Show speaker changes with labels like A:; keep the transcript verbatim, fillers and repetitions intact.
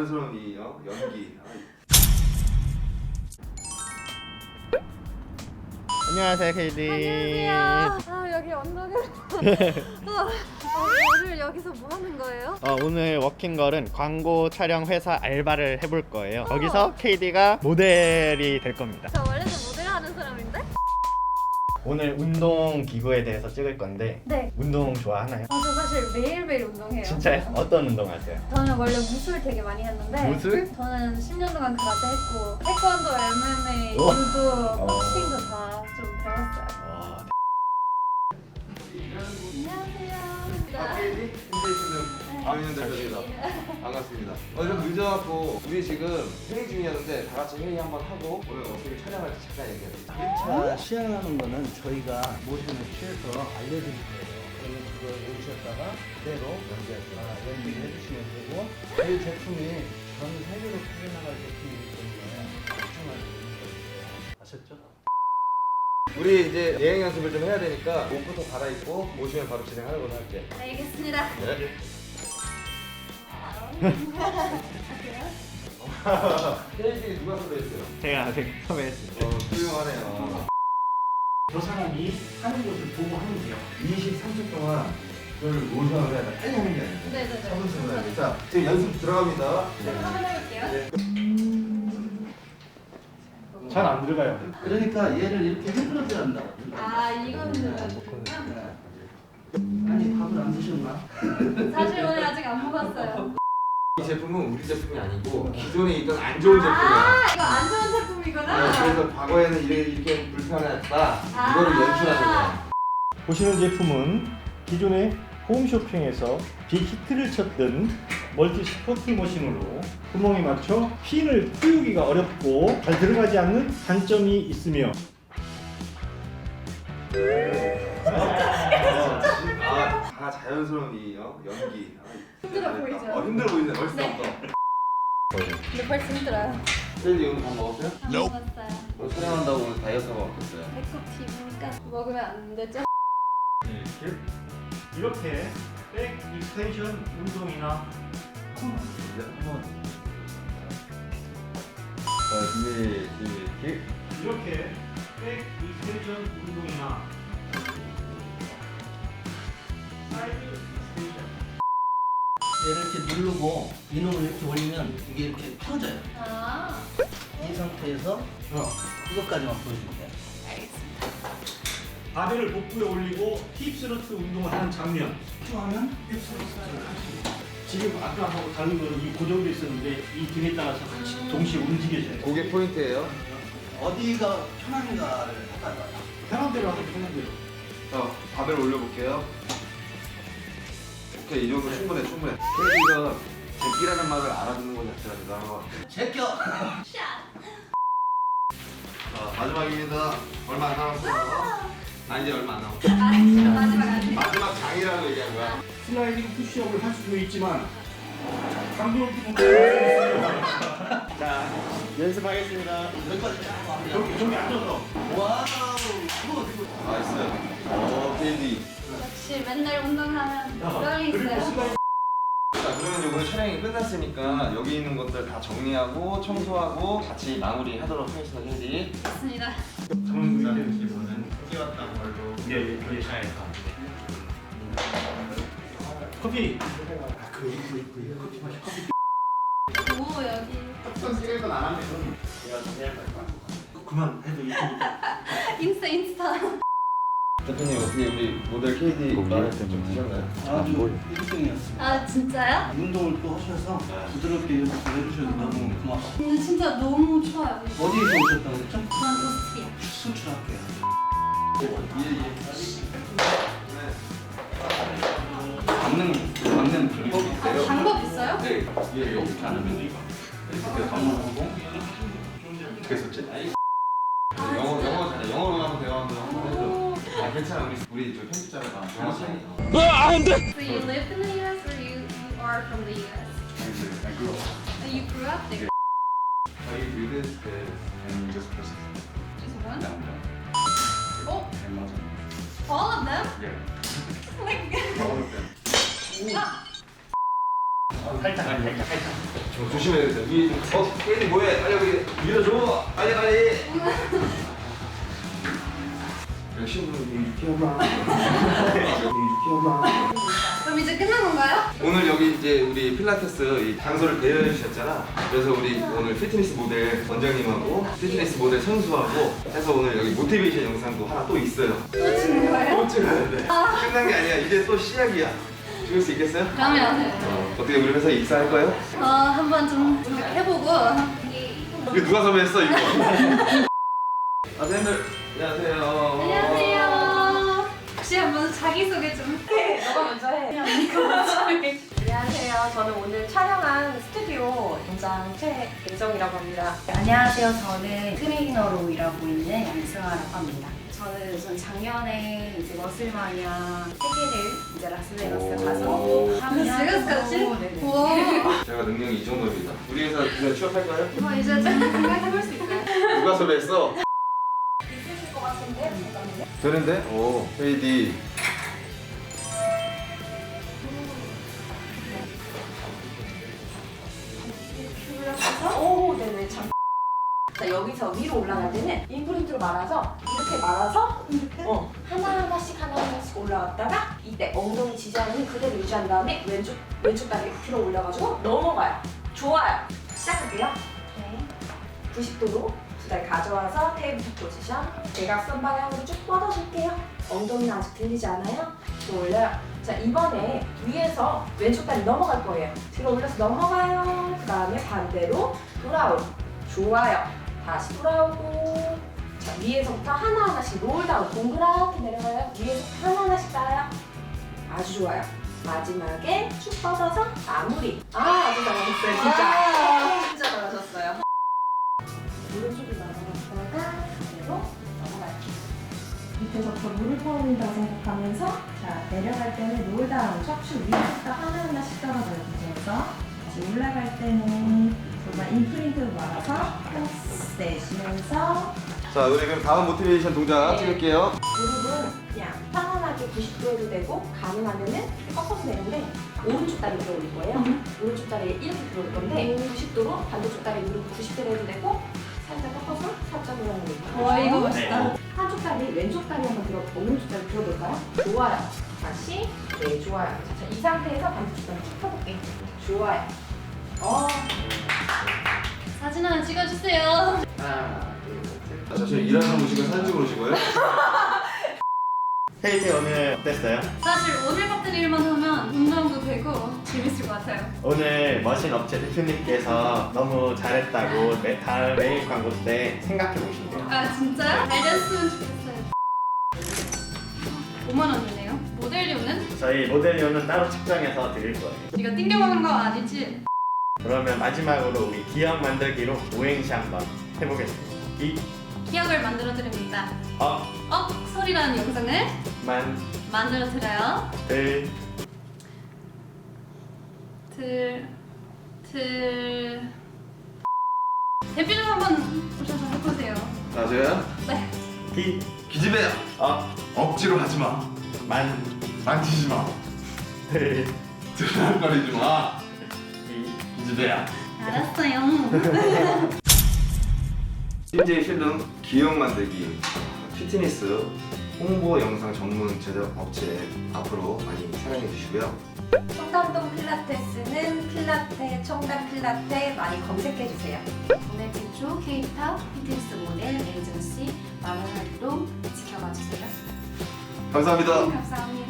A: 자연스러운 이 어? 연기.
B: 안녕하세요, 케이디.
C: 안녕하세요. 아 여기 언덕을. 어, 어, 오늘 여기서 뭐 하는 거예요?
B: 어, 오늘 워킹걸은 광고 촬영 회사 알바를 해볼 거예요. 거기서 케이디가 모델이 될 겁니다.
C: 저 원래는 모델 하는 사람인데?
B: 오늘 운동 기구에 대해서 찍을 건데
C: 네.
B: 운동 좋아하나요?
C: 아, 저 사실 매일매일 운동해요.
B: 진짜요? 어떤 운동 하세요?
C: 저는 원래 무술 되게 많이 했는데
B: 무술?
C: 저는 십 년 동안 그라테 했고 태권도, 엠엠에이,
B: 우와.
C: 유도,
B: 어.
C: 복싱도 다 좀 배웠어요.
B: 와,
C: 안녕하세요.
A: 아, 케이디? 힘내시는 박윤현 대표입니다. 반갑습니다. 어, 좀 늦어갖고 우리 지금 회의 중이었는데 다 같이 회의 한번 하고 오늘 어떻게 촬영할지 잠깐 얘기해요.
D: 일 차 시향하는 거는 저희가 모션을 취해서 알려드릴 거예요. 그러면 그걸 오셨다가 그대로 연기하시면 연기를 해주시면 되고 저희 제품이 전 세계로 퍼져나갈 제품이기 때문에 걱정할 수 있는 거예요. 아셨죠?
A: 우리 이제 예행 연습을 좀 해야 되니까 옷부터 갈아입고 오시면 바로 진행하는 걸로 할게.
C: 알겠습니다.
A: 네. 케이디 누가 섭외했어요?
B: 제가 아직 섭외했습니다.
A: 어, 훌륭하네요.
D: 저 사람이 하는 것을 보고 하면 돼요.
A: 이십삼 초 동안 그걸 모션을 해야 돼. 빨리 하는 게 아니고.
C: 네네네.
A: 차분차분 해야 돼. 자, 지금 연습 들어갑니다.
C: 그럼 한번 해볼게요.
A: 네.
D: 잘 안 들어가요. 그러니까 얘를 이렇게 흔들어줘야 한다.
C: 아 이거는
D: 아니 밥을 안 드셨나?
C: 사실 오늘 아직 안 먹었어요.
A: 이 제품은 우리 제품이 아니고 기존에 있던 안 좋은 제품이야.
C: 아 이거 안 좋은 제품이구나.
A: 네, 그래서 과거에는 이렇게, 이렇게 불편했다.
C: 아.
A: 이거를 연출하는 거야.
E: 보시는 제품은 기존의 홈쇼핑에서 빅히트를 쳤던 멀티 스포트 머신으로 구멍에 맞춰 핀을 띄우기가 어렵고 잘 들어가지 않는 단점이 있으며
A: 아, 다 자연스러운 이 어? 연기. 아,
C: 힘들어
A: 잘했다.
C: 보이죠?
A: 어, 힘들어 보이네. 벌써.
C: 네. 근데 벌써 힘들어요.
A: 셀리 오늘 밥 먹었어요?
C: 안 먹었어요.
A: 오늘 촬영한다고 오늘 다이어트가 어땠어요?
C: 배꼽 튀니까 먹으면 안 되죠?
E: 이렇게 이렇게 백 익스텐션 운동이나
A: 자, 준비, 준비,
E: 이렇게 백 익스텐션 운동이나 사이드 익스텐션
D: 얘를 이렇게 누르고 이놈을 이렇게 올리면 이게 이렇게 펴져요.
C: 아
D: 이 상태에서 어, 그것까지만 보여주면 돼요.
C: 알겠습니다.
E: 바벨을 복부에 올리고 힙스러트 운동을 하는 장면
D: 쭉 하면 힙스러트를 할 수 있어요.
E: 지금 아까하고 다른 거는 이 고정돼 있었는데 이 등에 따라서 같이 동시에 움직여져요.
A: 그게 포인트예요.
D: 어디가 편한가를 하다가
E: 편한 대로 하고 편한 대로.
A: 자, 밥을 올려볼게요. 오케이, 이 정도 충분해, 충분해. 케이디가 제끼라는 말을 알아듣는 것 자체가 대단한 것 같아요.
D: 제껴!
A: 자, 마지막입니다. 얼마 안 남았어요. 아, 이제 얼마 안 남았어.
C: 아 마지막 아직.
A: 마지막 장이라고 얘기한 거야.
E: 슬라이딩 푸시업을 할 수도 있지만 강도
B: 자, 연습하겠습니다.
D: 여기까지 쫙 하면
E: 여기 저기 앉아서
D: 와우! 그거 그거
A: 나이스. 오, 케이디.
C: 역시 맨날 운동하면 보람이 있어요.
A: 자, 그러면 이번에 촬영이 끝났으니까 여기 있는 것들 다 정리하고 청소하고 같이 마무리하도록 하겠습니다, 케이디.
C: 좋습니다.
E: 저는 기분은 뛰었던 걸로 예, 저희 샤에서 커피. 아, 그 이거 이거 이거 커피 마셔 커피.
C: 오 여기.
E: 어떤 시간도 안 하면 내가 좀 해야 될까? 그만 해도 이쁘니까.
C: 인스타 인스타.
A: 대표님 어떻게 우리 모델 케이디 말을 좀 드셨나요?
D: 아주 일 등이었습니다.
C: 아 진짜요?
D: 운동을 또 하셔서 부드럽게 연습을 해주셔서 너무 고맙습니다.
C: 근데 진짜 너무 좋아요.
D: 어디에서 오셨다고 그랬죠?
C: 전 오스트리아.
D: 수출할게요.
A: 받는 받는 방법이
C: 아,
A: 있어요.
C: 방법 있어요?
A: 네, 이게 이렇게 안 하면 이렇게 방문하고 어떻게 썼지? 영어 영어 잘해. 영어로 한번 대화 한번 해줘. 아 괜찮아 우리 우리 저 편집자가 영어 잘해.
C: So you lived in the U S or you, you are from the U S?
A: I grew up.
C: Oh, you grew up there?
A: I read it and just process.
C: Just one?
A: No,
C: Oh,
A: Amazon.
C: all of them?
A: Yeah.
C: Like,
A: All of them.
C: ah,
A: 아
B: 살짝 살짝 살짝.
A: 좀 조심해야 돼. 위, 어, 케이디 뭐해? 빨리 여기 밀어줘. 빨리 빨리. 열심히 유키엄마. 유키엄마.
C: 그럼 이제 끝난 건가요?
A: 오늘 여기 이제 우리 필라테스 이 장소를 대여해 주셨잖아. 그래서 우리 오늘 피트니스 모델 원장님하고 피트니스 모델 선수하고 해서 오늘 여기 모티베이션 영상도 하나 또 있어요.
C: 또 찍는 거예요?
A: 또 찍어야 돼. 끝난 게 아니야. 이제 또 시작이야. 찍을 수 있겠어요?
C: 그러면
A: 어, 어떻게 우리 회사에 입사할 거예요?
C: 어, 한번 좀 해보고
A: 이거 누가 섭외했어 이거? 아, 선생님들 안녕하세요.
C: 안녕하세요. 혹시 한번 자기소개 좀 해. 너가 먼저 해.
F: 안녕하세요. 저는 오늘 촬영한 스튜디오 원장 최은정이라고 합니다.
G: 안녕하세요. 저는 트레이너로 일하고 있는 양승아라고 합니다. 저는 우선 작년에 이제 머슬마니아 세계를 이제 라스베가스 가서
A: 오.
C: 라스베가스까지?
G: 네네.
C: 우와.
A: 제가 능력이 이 정도입니다. 우리 회사 그냥 취업할까요?
C: 뭐 이제 좀 생각해볼 수 있어요?
A: 누가 섭외했어?
F: 있으실 것 같은데? 잠깐만요.
A: 되는데? 오, 헤이디.
F: 오, 네네. 참. 자, 여기서 위로 올라갈 때는 인프린트로 말아서 이렇게 말아서 이렇게 어, 하나하나씩 하나하나씩 올라갔다가 이때 엉덩이 지지하는 그대로 유지한 다음에 왼쪽 왼쪽 다리 들어 올려가지고 넘어가요. 좋아요. 시작할게요. 네. 구십 도로 두 다리 가져와서 테이블 포지션. 대각선 방향으로 쭉 뻗어줄게요. 엉덩이는 아직 들리지 않아요? 들어 올려요. 자, 이번에 위에서 왼쪽 다리 넘어갈 거예요. 들어 올려서 넘어가요. 그 다음에 반대로 돌아오고. 좋아요. 다시 돌아오고. 자, 위에서부터 하나하나씩 롤다운 동그랗게 내려가요. 위에서부터 하나하나씩 따요. 아주 좋아요. 마지막에 쭉 뻗어서 마무리. 아, 아주 잘하셨어요. 진짜. 진짜 잘하셨어요. 오른쪽을 넘어갔다가 그대로 넘어갈게요. 밑에서부터 물을 퍼온다 생각하면서 자, 내려갈 때는 롤다운 척추 위에부터 하나하나씩 떨어져요. 그래서 다시 올라갈 때는 정말 인프린트로 말아서 플러스 내쉬면서
A: 자, 우리 그럼 다음 모티베이션 동작 찍을게요.
F: 무릎은 그냥 편안하게 구십 도 해도 되고 가능하면은 이렇게 꺾어서 내는데 오른쪽 다리 들어 올릴 거예요. 오른쪽 다리 이렇게 들어 올릴 건데 구십 도로 반대쪽 다리 무릎 구십 도로 해도 되고 살짝 꺾어서 살짝 올라오는 거예요.
C: 와, 이거 멋있다.
F: 한쪽 다리 왼쪽 다리 한번 들어 오른쪽 다리 들어볼까요? 좋아요. 다시 네 좋아요. 자, 자, 이 상태에서 반대쪽 다리 쭉 펴볼게요. 좋아요. 어.
C: 사진 하나 찍어주세요.
A: 하나, 둘, 셋. 자, 잠시만 일하는 분이시고 사진 찍으러 오신 거예요?
B: 헤이디 오늘 어땠어요?
C: 사실 오늘 같은 일만 하면 운동도 되고 재밌을 것 같아요.
B: 오늘 머신 업체 대표님께서 너무 잘했다고 매, 다음 메일 광고 때 생각해 보신대요.
C: 아 진짜요? 잘 됐으면 좋겠어요. 오만 원이네요. 모델료는?
B: 저희 모델료는 따로 측정해서 드릴 거예요.
C: 이거 띵겨먹는 거 아니지?
B: 그러면 마지막으로 우리 기억 만들기로 오행시 한번 해보겠습니다. 기,
C: 기억을 만들어 드립니다.
B: 어,
C: 억 소리라는 영상을
B: 만,
C: 만들어 드려요.
B: 들,
C: 들, 들. 대표님 한번 오셔서 해보세요.
A: 자, 저요?
C: 네.
B: 기,
A: 기집애야.
B: 어,
A: 억지로 하지 마.
B: 만,
A: 만지지 마.
B: 들,
A: 드랑거리지 마.
B: 기,
A: 기집애야.
C: 알았어요.
A: 씨제이 필름 기억 만들기 피트니스 홍보 영상 전문 제작 업체 앞으로 많이 사랑해 주시고요.
F: 청담동 필라테스는 필라테, 청담 필라테 많이 검색해 주세요.
G: 국내 최초 K-팝 피트니스 모델 에이전시 마련 활동 지켜봐 주세요.
A: 감사합니다.
G: 감사합니다.